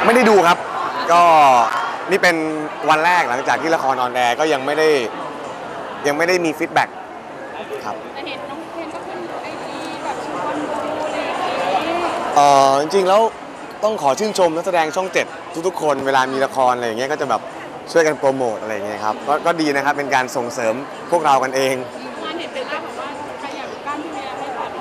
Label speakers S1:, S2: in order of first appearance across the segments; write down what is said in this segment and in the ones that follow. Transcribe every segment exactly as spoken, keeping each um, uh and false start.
S1: ไม่ได้ดูครับก็นี่เป็นวันแรกหลังจากที่ละครออนแอร์ก็ยังไม่ได้ยังไม่ได้มีฟีดแบ็กครับ
S2: แต่เห็นน้องเพนก็ขึ้นไอจีแบบชวนดูอะไรอย่างนี้
S1: เออจริงๆแล้วต้องขอชื่นชมนักแสดงช่องเจ็ดทุกๆคนเวลามีละครอะไรอย่างเงี้ยก็จะแบบช่วยกันโปรโมทอะไรอย่างเงี้ยครับก็ก็ดีนะครับเป็นการส่งเสริมพวกเรากันเอง
S2: งานเห็นเป็นล่าบอกว่าใครอยากกล้ามพี่เมียไม่ตัด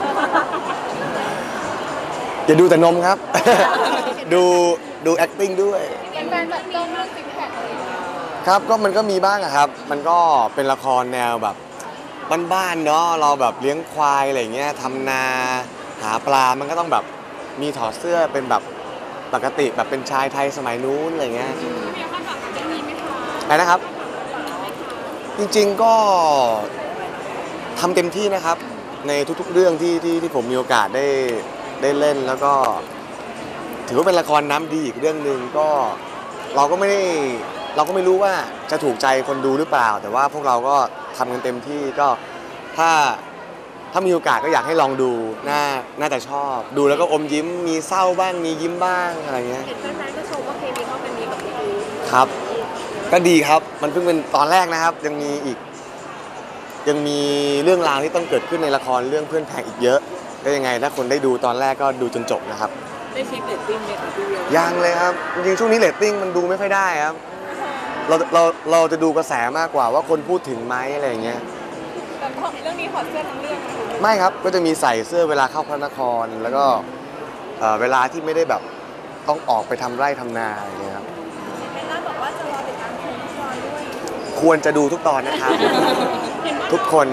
S1: อย่าดูแต่นมครับ ดูดู acting ด้วย
S2: เป็นแฟนแบบจ้องเรื่องซิกแพคอะไรอย่างเงี้ย
S1: ครับก็มันก็มีบ้างอะครับมันก็เป็นละครแนวแบบบ้านๆเนาะเราแบบเลี้ยงควายอะไรอย่างเงี้ยทำนาหาปลามันก็ต้องแบบมีถอดเสื้อเป็นแบบปกติแบบเป็นชายไทยสมัยนู้นอะไรเงี้ย
S2: พี่เมียคาดหวังกับเรื่องนี้ไหมคะ
S1: อะไรนะครับจริงๆก็ทำเต็มที่นะครับในทุกๆเรื่องที่ที่ที่ผมมีโอกาสได้ได้เล่นแล้วก็ถือว่าเป็นละครน้ำดีอีกเรื่องหนึ่งก็เราก็ไม่ได้เราก็ไม่รู้ว่าจะถูกใจคนดูหรือเปล่าแต่ว่าพวกเราก็ทำกันเต็มที่ก็ถ้าถ้ามีโอกาสก็อยากให้ลองดูน่าน่าจะชอบดูแล้วก็อมยิ้มมีเศร้าบ้างมียิ้มบ้างอะไรเงี้ย
S2: เห็นแฟนๆก็ชมว่าเคมีเขาเป็นดีกับพี่ดู
S1: ครับก็ดีครับมันเพิ่งเป็นตอนแรกนะครับยังมีอีกยังมีเรื่องราวที่ต้องเกิดขึ้นในละครเรื่องเพื่อนแพงอีกเยอะก็ยังไงถ้าคนได้ดูตอนแรกก็ดูจนจบนะครับ
S2: ได้เช็คเรตติ้งไหมคะพี่เวีย
S1: ยังเลยครับจริงๆช่วงนี้เรตติ้งมันดูไม่ค่อยได้ครับเราเราเราจะดูกระแสมากกว่าว่าคนพูดถึงไหมอะไรอย่างเงี้ย
S2: แต่เรื่องนี้ถอดเสื้อทั้งเรื่องนะคะ
S1: ไม่ครับก็จะมีใส่เสื้อเวลาเข้าพระนครแล้วก็เวลาที่ไม่ได้แบบต้องออกไปทำไร่ทำนาอะไรอย่างเงี้ยครับ
S2: เบลล่าบอกว่าจะรอติดตามชมทุกตอนด้วย
S1: ควรจะดูทุกตอนนะครับทุกคน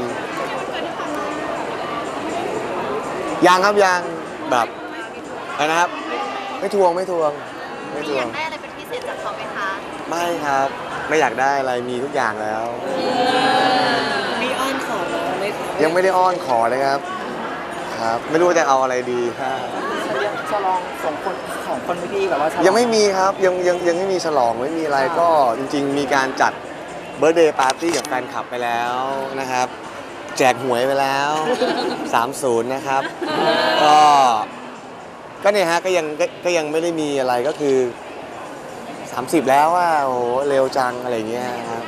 S1: ยังครับยังแบบอะไรนะครับไม่ทวงไม่ทวงไม่ทวง
S2: อยากได้อะไรเป็นพิเศษจากเขาไหมคะ
S1: ไม่ครับไม่อยากได้อะไรมีทุกอย่างแล้ว
S2: มีอ้อนขอไหมคะ
S1: ยังไม่ได้อ้อนขอเลยครับครับไม่รู้จะเอาอะไรดี
S3: ฉลองสองคนสองคนพี่แบบว่า
S1: ยังไม่มีครับยังยังยังไม่มีฉลองไม่มีอะไรก็จริงๆมีการจัดเบิร์ธเดย์ปาร์ตี้กับแฟนคลับไปแล้วนะครับแจกหวยไปแล้วสามสิบนะครับก็ก็เนี่ยฮะก็ยังก็ยังไม่ได้มีอะไรก็คือสามสิบแล้วว่าโอ้โหเร็วจังอะไรเงี้ยครับ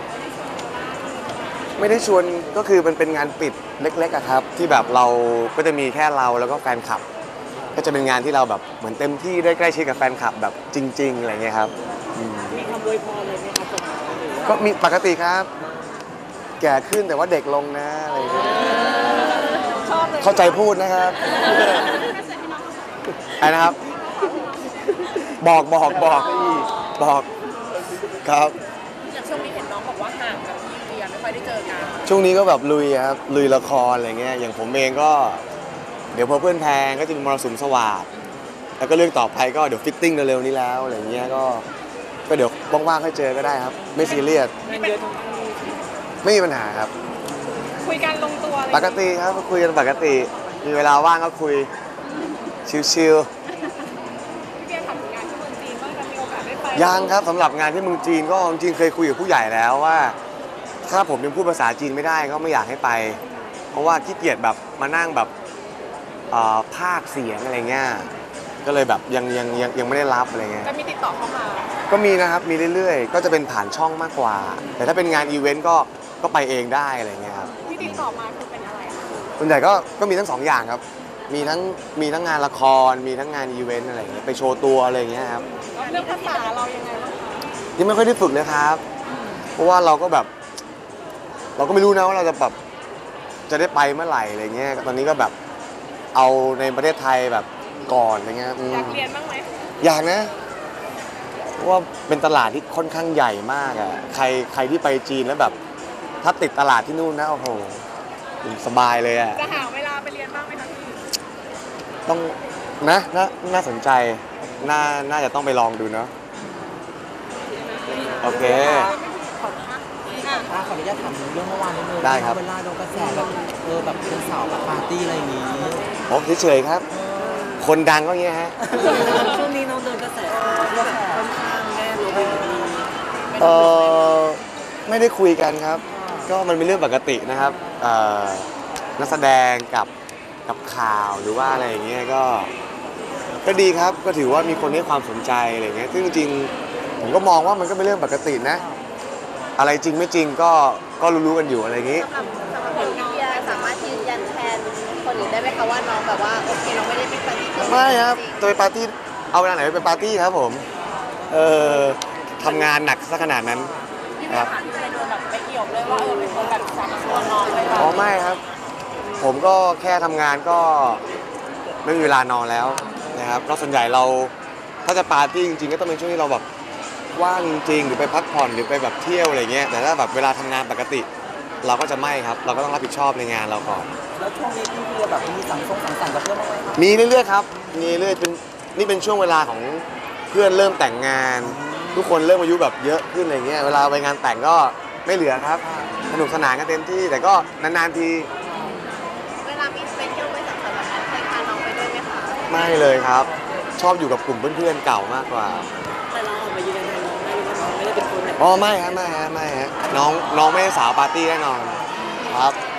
S1: ไม่ได้ชวนก็คือมันเป็นงานปิดเล็กๆอะครับที่แบบเราก็จะมีแค่เราแล้วก็แฟนคลับก็จะเป็นงานที่เราแบบเหมือนเต็มที่ได้ใกล้ชิดกับแฟนคลับแบบจริงๆอะไรเงี้ยครับ
S2: มีคำอวยพรอะไรไหมครับ
S1: ก็มีปกติครับแก่ขึ้นแต่ว่าเด็กลงนะอะไรเงี้ยเข้าใจพูดนะครับอะไรนะครับบอกบอกบอกบอกครับ
S2: อย่างช่วงนี้เห็นน้องบอกว่าห่างกับพี่เวียไม่ค่อยได้เจอกัน
S1: ช่วงนี้ก็แบบลุยครับลุยละครอะไรเงี้ยอย่างผมเองก็เดี๋ยวพอเพื่อนแพงก็จะมีมรสุมสวัสดิ์แล้วก็เรื่องต่อไปก็เดี๋ยวฟิตติ้งเร็วๆนี้แล้วอะไรเงี้ยก็ก็เดี๋ยวว่างๆค่อยเจอก็ได้ครับไม่ซีเรียสไม่มีปัญหาครับ
S2: คุยกันลงตัว
S1: ปกติครับคุยกันปกติมีเวลาว่างก็คุยชิลๆยังครับสำหรับงานที่เมืองจีนก็จริงๆเคยคุยกับผู้ใหญ่แล้วว่าถ้าผมยังพูดภาษาจีนไม่ได้ก็ไม่อยากให้ไปเพราะว่าขี้เกียจแบบมานั่งแบบภาคเสียงอะไรเงี้ยก็เลยแบบยังยังยังยังไม่ได้รับอะไรเงี้ย
S2: จะมีติดต่อเข้ามา
S1: ก็มีนะครับมีเรื่อยๆก็จะเป็นผ่านช่องมากกว่าแต่ถ้าเป็นงานอีเวนต์ก็ก็ไปเองได้อะไรเงี้ยครับ
S2: ที่ติดต่อมาคือเป็นอะไร
S1: ส่วนใหญ่ก็ก็มีทั้งสองอย่างครับมีทั้งมีทั้งงานละครมีทั้งงานอีเวนต์อะไรเงี้ยไปโชว์ตัวอะไรเงี้ยครับ
S2: เรื่องภาษาเรายังไงบ้างคะ
S1: ยังไม่ค่อยได้ฝึกเลยครับเพราะว่าเราก็แบบเราก็ไม่รู้นะว่าเราจะแบบจะได้ไปเมื่อไหร่อะไรเงี้ยตอนนี้ก็แบบเอาในประเทศไทยแบบก่อนอะไรเงี้ย
S2: อยากเรียนบ้างไหม
S1: อยากนะเพราะว่าเป็นตลาดที่ค่อนข้างใหญ่มากอ่ะใครใครที่ไปจีนแล้วแบบถ้าติดตลาดที่นู่นนะโอ้โหสบายเลยอ่ะ
S2: จะหาเวลาไปเรียนบ้างไหมคะพี่
S1: ต้องนะน่าน่าสนใจน่าน่าจะต้องไปลองดูเนาะโอเค
S3: ขออนุญาตถามเรื่องเมื่อวานนิดนึง
S1: ได้ครับ
S3: เวลาโดนกระแสแบบเออแบบเป็นสาวแบบปาร์ตี้อะไรอย่างงี้
S1: ผมเฉยๆครับคนดังก็เงี้ยฮะ
S3: ช่วงนี้น้องโดนกระแสแบบค่อนข้างแน่เลย
S1: เออไม่ได้คุยกันครับก็มันเป็นเรื่องปกตินะครับนักแสดงกับกับข่าวหรือว่าอะไรอย่างเงี้ยก็ก็ดีครับก็ถือว่ามีคนให้ความสนใจอะไรเงี้ยซึ่งจริงๆผมก็มองว่ามันก็เป็นเรื่องปกตินะ อะไรจริงไม่จริงก็ก็รู้ๆกันอยู่อะไรอย่างงี้
S2: สำหรับสำหรับคนที่สามารถยืนยันแทนคนอื่นได้ไหมคะว่าน้องแบบว่าโอเคน้องไม่ได้เป็นปฏิกิริยา
S1: ไม่ครับจะไปปาร์ตี้เอาเวลาไหนไปเป็นปาร์ตี้ครับผมเออทำงานหนักซะขนาดนั้น
S3: ที่
S1: ครับ
S3: ผ่านไปโดนแบบไปเกี่ยวเลยว่าเออเป็นคนแบบชักชวนน้องไป
S1: อ๋อไม่ครับ ผมก็แค่ทำงานก็ไม่มีเวลานอนแล้วนะครับแล้วส่วนใหญ่เราถ้าจะปาร์ตี้จริงๆก็ต้องเป็นช่วงที่เราแบบว่างจริงๆหรือไปพักผ่อนหรือไปแบบเที่ยวอะไรเงี้ยแต่ถ้าแบบเวลาทำงานปกติ เราก็จะไม่ครับ เราก็ต้องรับผิดชอบในงานเราก่อน
S3: แล้วช่วงนี้พี่เวียแบบมีสังสงสังสรรค์กับเพื่อนบ้างไหมครับ
S1: มีเรื่อยๆครับมีเรื่อยเป็นนี่เป็นช่วงเวลาของเพื่อนเริ่มแต่งงาน ทุกคนเริ่มอายุแบบเยอะขึ้นอะไรเงี้ยเวลาไปงานแต่งก็ไม่เหลือครับสนุกสนานกันเต็มที่แต่ก็นานๆที
S2: เวลามีไปเที่ยวไปสังสรรค์แบบนั้นเคยพาน้องไปด้วยไหมคะ
S1: ไม่เลยครับ ชอบอยู่กับกลุ่มเพื่อนๆเก่ามากกว่า
S3: แต่เราออกมายืนยันน้องได้ว่าน้องไม่ได้เป็นคนแบบ
S1: อ๋อไม่ฮะไม่ฮะไม่ฮะน้องน้องไม่ใช่สาวปาร์ตี้แน่นอนครับ